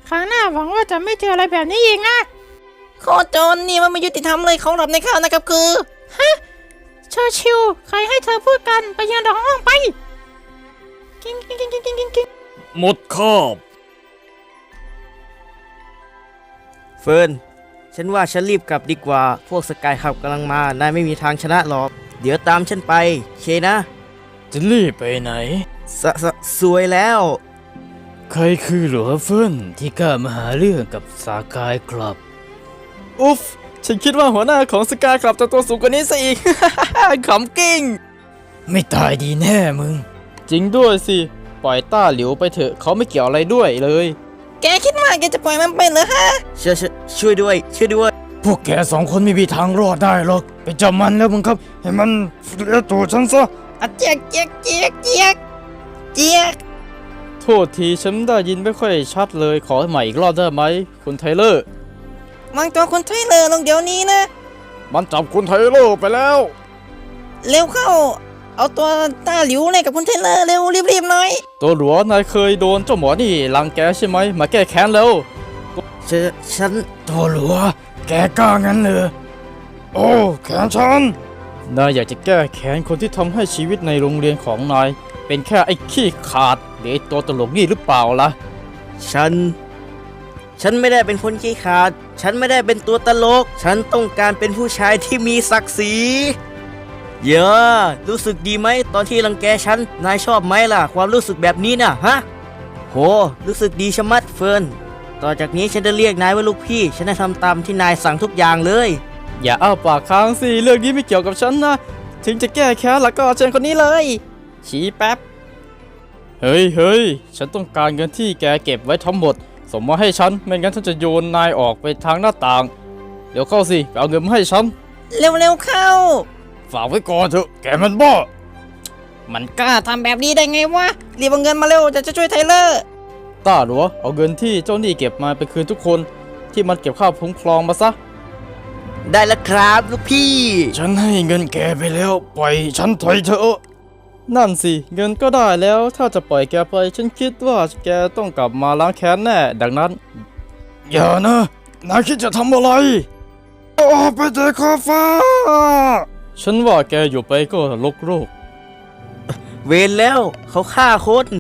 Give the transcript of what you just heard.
ครั้งหน้าหวังว่าจะไม่เจออะไรแบบนี้อีกนะโคตรโจรนี่มันไม่ยุติธรรมเลยของหลับในข้าวนะครับคือฮะเชอร์ชิลใครให้เธอพูดกันไปยืนรอห้องไปกิ้งกิ้งกิ้งกิ้งกิ้งกิ้งหมดคาบเฟิร์นฉันว่าฉันรีบกลับดีกว่าพวกสกายขับกำลังมานายไม่มีทางชนะหรอกเดี๋ยวตามฉันไปเคนะจะรีบไปไหนสวยแล้วใครคือหลัวเฟินที่กล้ามาหาเรื่องกับสากายครับอุ๊ฟฉันคิดว่าหัวหน้าของสกายคลับจะตัวสูงกว่านี้ซะอีก ขำกิ้งไม่ตายดีแน่มึงจริงด้วยสิ ปล่อยต้าหลิวไปเถอะเขาไม่เกี่ยวอะไรด้วยเลยแกคิดว่าแกจะปล่อยมันไปเหรอฮะช่วยด้วยช่วยด้วยพวกแกสองคนไม่มีทางรอดได้หรอก ไปจับมันแล้วมึงครับ ให้มันเลี้ยตัวฉันซะอะเจียกเจียกเจียกเจียกเจียกโทษทีฉันได้ยินไม่ค่อยชัดเลยขอใหม่อีกรอบได้ไหมคุณไทเลอร์วางตัวคุณไทเลอร์ลงเดี๋ยวนี้นะมันจับคุณไทเลอร์ไปแล้วเร็วเข้า เอาตัวต้าหลิวเลยกับคุณไทเลอร์เร็วรีบๆหน่อยตัวหลัวนายเคยโดนเจ้าหมอนี่รังแกใช่ไหมมาแก้แค้นแล้วฉันโตหลัว แกกล้างั้นเลยโอ้แขนฉันนายอยากจะแก้แค้นคนที่ทำให้ชีวิตในโรงเรียนของนายเป็นแค่ไอ้ขี้ขาดหรือไอ้ตัวตลกนี่หรือเปล่าล่ะฉันไม่ได้เป็นคนขี้ขลาดฉันไม่ได้เป็นตัวตลก ฉันต้องการเป็นผู้ชายที่มีศักดิ์ศรีเยอะรู้สึกดีไหมตอนที่รังแกฉันนายชอบไหมล่ะความรู้สึกแบบนี้น่ะฮะโหรู้สึกดีชะมัดเฟิร์นต่อจากนี้ฉันจะเรียกนายว่าลูกพี่ฉันจะทำตามที่นายสั่งทุกอย่างเลยอย่าอ้าปากค้างสิเรื่องนี้ไม่เกี่ยวกับฉันนะถึงจะแก้แค้นแล้วก็เชิญคนนี้เลยชี้แป๊บเฮ้ยฉันต้องการเงินที่แกเก็บไว้ทั้งหมดส่งมาให้ฉันไม่งั้นฉันจะโยนนายออกไปทางหน้าต่างเดี๋ยวเข้าสิไปเอาเงินมาให้ฉันเร็วๆเข้าฝากไว้ก่อนเถอะแกมันบ้ามันกล้าทำแบบนี้ได้ไงวะรีบเอาเงินมาเร็วจะช่วยไทเลอร์ต้าหลัวเอาเงินที่เจ้าหนี้เก็บมาไปคืนทุกคนที่มันเก็บค่าคุ้มครองมาซะได้แล้วครับลูกพี่ฉันให้เงินแกไปแล้ว ปล่อยฉันถอยเถอะนั่นสิเงินก็ได้แล้วถ้าจะปล่อยแกไปฉันคิดว่าแกต้องกลับมาล้างแค้นแน่ดังนั้นอย่านะนายคิดจะทำอะไรโอ้ไปเตะขอบฟ้าฉันว่าแกอยู่ไปก็ลกโรคเวรแล้วเขาฆ่าคน